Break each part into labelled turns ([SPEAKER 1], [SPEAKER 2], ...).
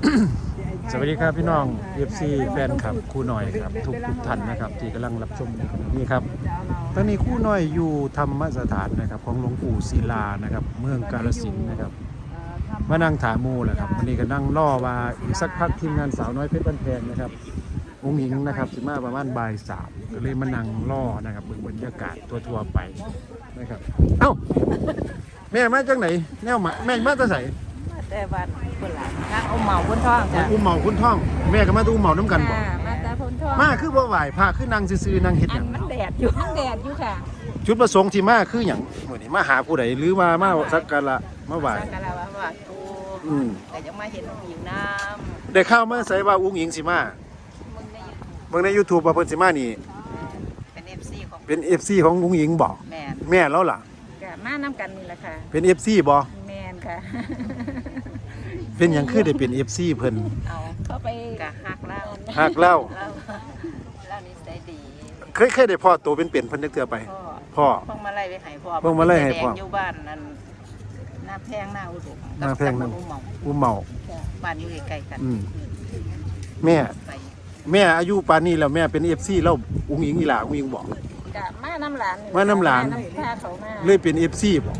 [SPEAKER 1] สวัสดีครับพี่น้อง FC แฟนคลับครูหน่อยครับทุกท่านนะครับที่กำลังรับชมในขณะนี้ครับตอนนี้ครูหน่อยอยู่ธรรมสถานนะครับของหลวงปู่ศิลานะครับเมืองกาฬสินธุ์นะครับมานั่งถามมูแหละครับวันนี้ก็นั่งล่อว่าอีกสักพักทีมงานสาวน้อยเพชรบ้านแพงนะครับองค์หญิงนะครับสิมาประมาณบ่ายสามก็เลยมานั่งล่อนะครับบรรยากาศทั่วๆไปนะครับเอ้าแม่มาจากไหนแนวมาแม่มาจากไหน
[SPEAKER 2] แต่บ้านคนละทางอุ้มเหมาพ้นท้องจ้ะ
[SPEAKER 1] อุ้มเหมาคุณท่องแม่ก็มาดูอุ้มเหมาน้ำกันบ่
[SPEAKER 2] มาแต่พ้นท้อง
[SPEAKER 1] มาคือบ่ไหวพระคือนั่งซื่อๆนั่งเฮ็ดหยัง
[SPEAKER 2] มันแดดอยู่ค่ะ
[SPEAKER 1] จุดประสงค์ที่มาคือหยังมื้อนี้มาหาผู้ใดหรือว่ามาสักการะมาไหว้
[SPEAKER 2] สักการะว่าตูแต่ยังมาเห็นอยู่น้ำ
[SPEAKER 1] ได้ข่าวมาใส่ว่าอุ้งอิงสิมาเบิ่งใน YouTube ว่าเพิ่นสิมานี่เป็น FC ของอุ้งอิงบ่แม่แล้วล่ะ
[SPEAKER 2] ก็มานํกันนี่แหละค่ะ
[SPEAKER 1] เป็น FC บ่
[SPEAKER 2] แม่นค่ะ
[SPEAKER 1] เป็นหยังคือได้เป็น FC เพิ่น
[SPEAKER 2] เอาเข้าไปก็ฮักเ
[SPEAKER 1] ล่า
[SPEAKER 2] นิสัยดี
[SPEAKER 1] เคยได้พ่อโตเป็นเพิ่นจักเทื่อไปพ่อ
[SPEAKER 2] เพิ่งมาไล่ไปให้พ่ออยู่บ้านนั้นหน้าแพงหน้าอุดม
[SPEAKER 1] หน้าแพงนั่นอุ้มเหมา
[SPEAKER 2] บ้านอยู่ใกล้ๆกัน
[SPEAKER 1] แม่อายุปานนี้แล้วแม่เป็น FC แล้วอุ้งอิงอีหล่าอุ้งอิงบอก
[SPEAKER 2] ก็มาน้ำหลาน
[SPEAKER 1] พาเขามาเลยเป็น FC บ่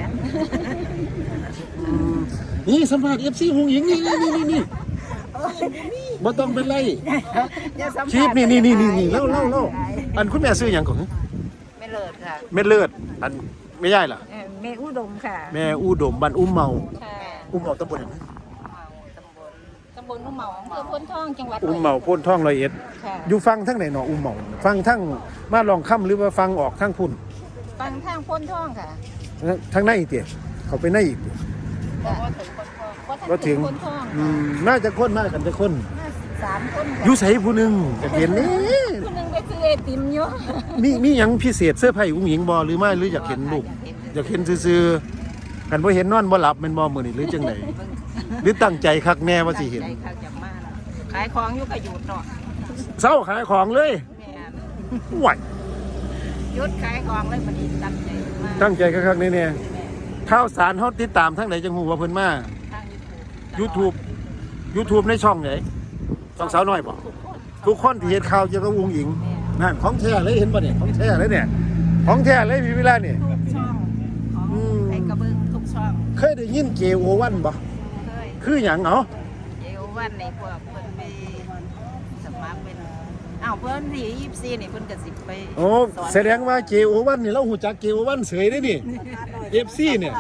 [SPEAKER 1] นี่สัมภาษณ์ FC อุ้งอิงนี่บ่ต้องเป็นไรคลิปนี่เล่าอันคุณแม่ซื้อหยังก่อน
[SPEAKER 2] แม่เลิศค่ะ
[SPEAKER 1] แม่เลิศอันไม่ใช่ล่ะ
[SPEAKER 2] แม่อุดมค่ะ
[SPEAKER 1] แม่อุดมบ้านอุ้มเมาอุ้มเมาตำบลไหน
[SPEAKER 2] ตำบลอุ้มเมาอำเภอพ้นท่องจังหวัด
[SPEAKER 1] อุ้มเมาพ้นท่อง101อยู่ฟังทั้งไหนเนาะอุ้มเมาฟังทั้งมาลองค่ำหรือว่าฟังออกทั้งพุ่น
[SPEAKER 2] ฟังทางพ้นท่องค่ะ
[SPEAKER 1] ทั้งในอีกเตี้ยเขาไปในอีก
[SPEAKER 2] ก็ถึง
[SPEAKER 1] น่าจะคนมากกันจะคน
[SPEAKER 2] 3 คน
[SPEAKER 1] อยู่ใส่ผู้หนึ่งจะเห็นนี่
[SPEAKER 2] ผู้หนึ่งไปซื้อไอติมอยู่
[SPEAKER 1] มีหยังพิเศษเสื้อผ้าอุ้งหญิงบ่หรือไม่หรืออยากเห็นลูกอยากเห็นซื่อๆกันบ่เห็นนอนบ่หลับแม่นบ่มื้อนี้หรือจังไดหรือตั้งใจคักแน่ว่าสิเห็น
[SPEAKER 2] ขายของอยู่ก็หยุดเนาะ
[SPEAKER 1] เช้าขายของเลยไหว
[SPEAKER 2] หยุดขายของเลยพอดี
[SPEAKER 1] ตั้งใจคักๆแน่ๆข่าวสารเฮาติดตามทางไหนจังฮู้ว่าเพิ่นมา YouTube ในช่องไหนช่องสาวน้อยบ่ทุกคนที่เห็นข่าวเกี่ยวกับอุ้งอิงนั่นของแท้เลยเห็นบ่เนี่ยของแท้เลยเนี่ยของแท้เลยมีเวลาเนี่ย
[SPEAKER 2] ทุกช่องไอ้กระเบื้องทุกช่อง
[SPEAKER 1] เคยได้ยิน JO1 บ่คือหยัง
[SPEAKER 2] JO1ในพวกเพิ่นไปสมัครเป็นเพิ่นที่24นี่เพิ่นก็สิไป
[SPEAKER 1] โอ้แสดงว่า JO1 นี่เราฮู้จัก JO1 เสยได้นี่ FC เนี่ย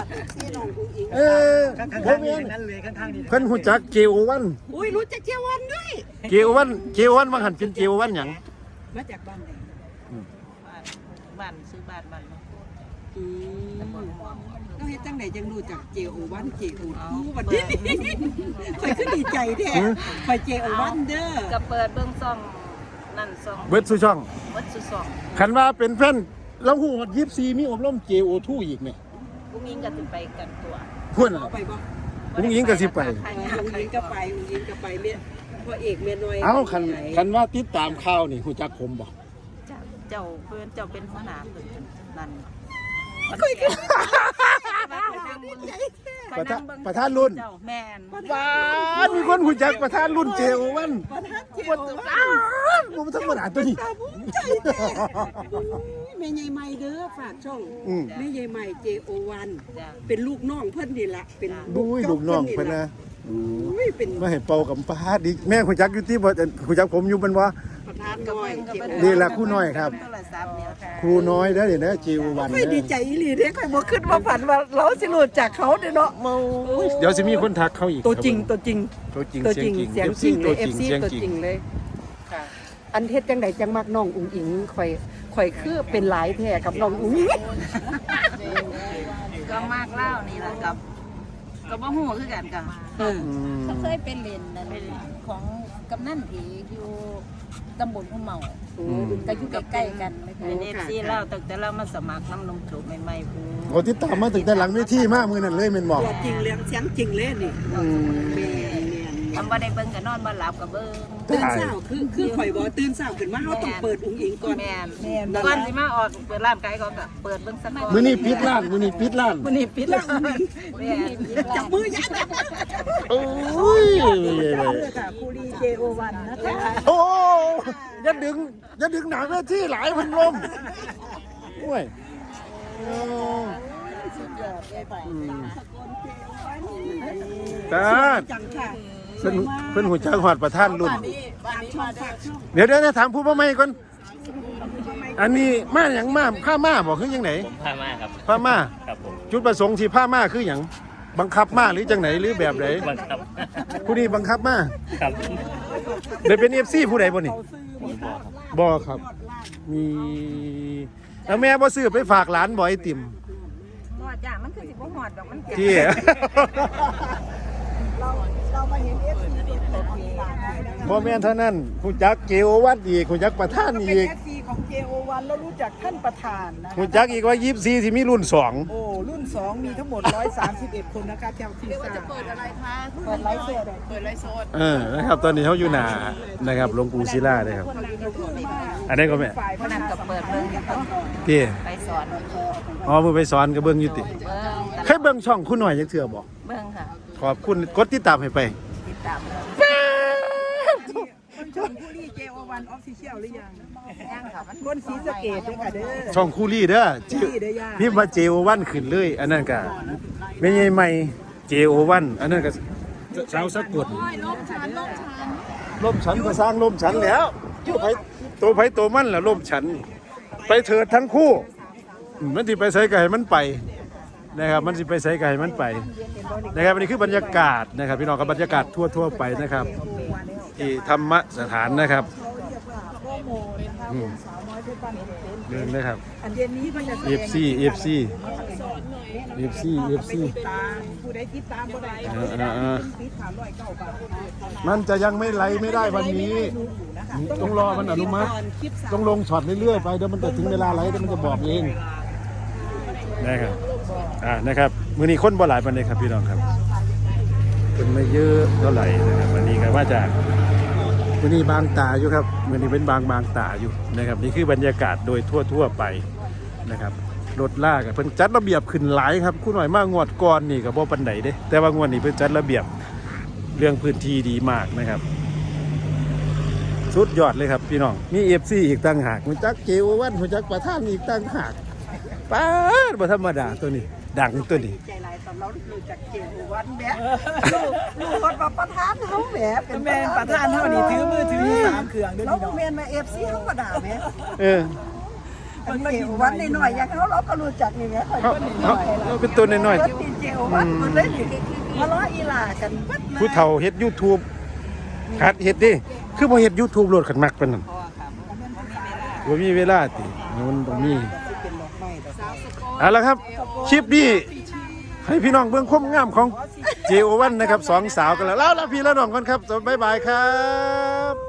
[SPEAKER 1] ผมเองเพิ่นฮู้จัก JO1
[SPEAKER 2] อุ้ยรู้จัก JO1 ด้วย
[SPEAKER 1] JO1 ว่าหันเป็น JO1 หยัง
[SPEAKER 2] มาจากบ้านไหนบ้านซื้อบ้าน
[SPEAKER 3] เราเฮ็ดจังไดจังรู้จัก JO1 JO2 บัดนี้ข่อยก็ดีใจแท้ข่อย JO1 เด้อ
[SPEAKER 2] ก็เปิดเบิ่งซ่องนั่นซ่อง
[SPEAKER 1] เบิดซุช่องคันว่าเป็นแฟนแล้วฮู้ฮอด24มีอบรม JO2 อีกแม่
[SPEAKER 2] อุ้งอิงก็สิไปกันตัว
[SPEAKER 1] พุ่นน่ะ
[SPEAKER 3] ไปบ่
[SPEAKER 1] อุ้งอิงก็สิไป
[SPEAKER 3] อุ้งอิงก็ไปแม่พ่อเอกแม่น้อย
[SPEAKER 1] เอ้าคันว่าติดตามข่าวนี่ฮู้จักผมบ่
[SPEAKER 2] เจ้าเพิ่นเจ้าเป็นหัวหน้าเพิ่นนั่น
[SPEAKER 1] ประธานรุ่น
[SPEAKER 2] แม่น
[SPEAKER 1] ว้ามีคนฮู้จักประธานรุ่น JO1 ผมธรรมดาตัวนี้
[SPEAKER 3] แม่ใหญ่ใหม่เด้อฝากช่องแม่ใหญ่ใหม่ JO1 เป็นลูกน้องเพิ่นนี่ล่ะเป็น
[SPEAKER 1] ลูกน้องเพิ่นนะมาให้เป่ากับป้าดิแม่ฮู้จักอยู่ที่บ่ฮู้จักผมอยู่เพิ่นบ่นี่แหละครูน้อยครับครูน้อยเด้อนี่นะJO1
[SPEAKER 3] ไม่ดีใจอีหลีเด้ข่อยบ่คิดว่าฝันว่าเราสิรู้จักเขาเด้อเนาะ
[SPEAKER 1] เดี๋ยวสิมีคนทักเขาอีก
[SPEAKER 3] ตัวจริงเสียงจริง FC ตัวจริงเลยค่ะอันเฮ็ดจังไดจังมักน้องอุ้งอิงข่อยคือเป็นหลายแท้กับน้องอุ้งอิง
[SPEAKER 2] ก็มากเล่านี่ล่ะกับก็บ่ฮู้คือกันก็เขาเคยเป็นเล่นนั่นของกำนันผีอยู่ตำบลอุ้มเมาก็อยู่ใกล้ๆกันเป็น FC เล่าตั้งแต่เรามาสมัครน้ำนมโฉบใหม่ๆพู
[SPEAKER 1] โอ้ติดตามมาตั้งแต่หลังเวทีมามื้อนั้นเลยแม่นบ่
[SPEAKER 3] ตัวจริงเรื่องเสียงจริงเลยนี่
[SPEAKER 2] ทำบ่ได้เบิ่งก็นอนบ่หลับก็เบิ่ง
[SPEAKER 3] ตื่นเช้าคือข่อยบ่ตื่นเช้าขึ้นมาเฮาต้องเปิดอุ้งอิงก่อน
[SPEAKER 2] แม่นก่อนสิมาออกเปิดร้านไก่ก็เปิดเบิ่งสักก่อน
[SPEAKER 1] มื้อนี้ปิดร้านแม่
[SPEAKER 3] จับมือยัด
[SPEAKER 1] โอ้ย
[SPEAKER 2] ค่ะคูรี JO1 นะคะ
[SPEAKER 1] โอ้อย่าดึงหนาเวทีหลายพันลมโอ้ย
[SPEAKER 2] สุดยอดเลยไป
[SPEAKER 1] ตา
[SPEAKER 2] จังค่ะ
[SPEAKER 1] เพิ่นหูจักหอดประท่านรุ่น
[SPEAKER 2] บ้านนี้มาเด้อ
[SPEAKER 1] เดี๋ยวถามผู้พ่อไม่ก่อนอันนี้มาอย่างมาผ้ามาบอกคือยังไหน
[SPEAKER 4] พามาครับ
[SPEAKER 1] ผ้ามา
[SPEAKER 4] ครับผม
[SPEAKER 1] จุดประสงค์ที่ผ้ามาคืออย่างบังคับมาหรือจังไหนหรือแบบไหน
[SPEAKER 4] บังคับ
[SPEAKER 1] ผู้นี้บังคับมา
[SPEAKER 4] ครับ
[SPEAKER 1] ได้เป็น FC ผู้ใดบ่นี่บ่ครับ มีแล้วแม่บ่ซื้อไปฝากหลานบ่ไอติม
[SPEAKER 2] หอดจ้ะมันคือสิบ่หอดดอกมันแก่
[SPEAKER 1] ที่
[SPEAKER 2] เรามาเห็น FC ตัวจริงนะคะ
[SPEAKER 1] บ่แม่นเท่านั้นผู้จักเกโอวัดอีกผู้จักประธาน
[SPEAKER 5] เป็น
[SPEAKER 1] อีก
[SPEAKER 5] FC ของ JO1 แล้วรู้จักท่านประธานนะ
[SPEAKER 1] ผู้จักอีกว่า24ที่มีรุ่น
[SPEAKER 5] โอ้รุ่น 2 มีทั้งหมด 131 คนนะคะแถวที่สาม
[SPEAKER 2] เปิดอะไรคะเปิดไลฟ์สดเปิดไลฟ์สด
[SPEAKER 1] 2นะครับตอนนี้เขาอยู่หน้านะครับหลวงปู่ศิลาเลยครับ อันนี้ก็แม่
[SPEAKER 5] ฝ่าย
[SPEAKER 2] พนันกับเปิดเบิ่ง
[SPEAKER 1] ที่
[SPEAKER 2] ไปสอน
[SPEAKER 1] อ๋อมือไปสอนกับเบิ่งอยู่ติ
[SPEAKER 2] เบิ่ง
[SPEAKER 1] เคยเบิ่งช่องคุณหน่อยจักเทื่อบ่
[SPEAKER 2] เบิ่งค่ะ
[SPEAKER 1] ขอบคุณกดติดตามให้ไป
[SPEAKER 2] ติดตาม
[SPEAKER 5] คนชมผู้รี JO1 Official หรือยัง
[SPEAKER 2] ย่างค่ะมัน
[SPEAKER 5] คนศรีสะเกษด้วยค่ะเด้อ
[SPEAKER 1] ช่องคูลี่เด้อ
[SPEAKER 5] คูลี่เด้อย่า
[SPEAKER 1] พิมพ์ว่า JO1 ขึ้นเลย อันนั้นก็ไม่ใช่ใหม่ JO1 อันนั้นก็ชาวสะกดล่มฉันก็สร้างล่มฉันแล้วตัวไผตัวมันแหละล่มฉัน ไปเถิดทั้งคู่มันสิไปใส่ไก่มันไปนะครับมันสิไปใส่ไก่มันไปนะครับอันนี้คือบรรยากาศนะครับพี่น้องกับบรรยากาศทั่วไปนะครับที่ธรรมสถานนะครับเรื่องนะครับ
[SPEAKER 5] อันเย็นนี้ก็จะแสดง
[SPEAKER 1] FC
[SPEAKER 5] ตามผู้ใดติดตามก็ได้ ติด309 บาท
[SPEAKER 1] มันจะยังไม่ไหลไม่ได้วันนี้ ต้องรอมันอนุมัติต้องลงช็อตเรื่อยๆไปเดี๋ยวมันจะถึงเวลาไหลเดี๋ยวมันจะบอกเองนะครับนะครับมื้อนี้คนบ่หลายปานใดครับพี่น้องครับคนไม่เยอะเท่าไหร่นะครับวันนี้ก็ว่าจากมื้อนี้บางตาอยู่ครับมื้อนี้เป็นบางตาอยู่นะครับนี่คือบรรยากาศโดยทั่วไปนะครับรถลากเพิ่นจัดระเบียบขึ้นหลายครับคุณหน่อยมางวดก่อนนี่ก็บ่ปานใดเด้แต่ว่างวดนี้เพิ่นจัดระเบียบเรื่องพื้นที่ดีมากนะครับสุดยอดเลยครับพี่น้องมี FC อีกต่างหากฮู้จักเกววันฮู้จักประธานอีกต่างหากป๊าดบ่ธรรมดาตัวนี้ดังตัวนี้
[SPEAKER 5] ใจหลายตอนเรารู้จักJO1 แหมลูกคนมาประธานเฮาแหมเป็นแม่ประธานเฮานี่ถือมือถือ3เครื่องเด้อพี่น้องแม่นมา FC เฮาก็ด่าแหม
[SPEAKER 1] เออ
[SPEAKER 5] มันเกี่ยววันหน่อยๆอย่างเราก็รู้จักนี่แหมค่อย
[SPEAKER 1] เขาเป็นตัวน้อย
[SPEAKER 5] เพิ่นเป็นJO1 เพิ่นเลยนี่มาล้ออีหลากันเบิด
[SPEAKER 1] ๆผู้เฒ่าเฮ็ด YouTube หัดเฮ็ดดิคือบ่เฮ็ด YouTube โลดขันมักปานนั้นบ่มีเวลาติมันต้องมีเอาละครับคลิปนี้ให้พี่น้องเบิ่งความงามของ JO1 นะครับสองสาวกันแล้วพี่และน้องกันครับบ๊ายบายครับ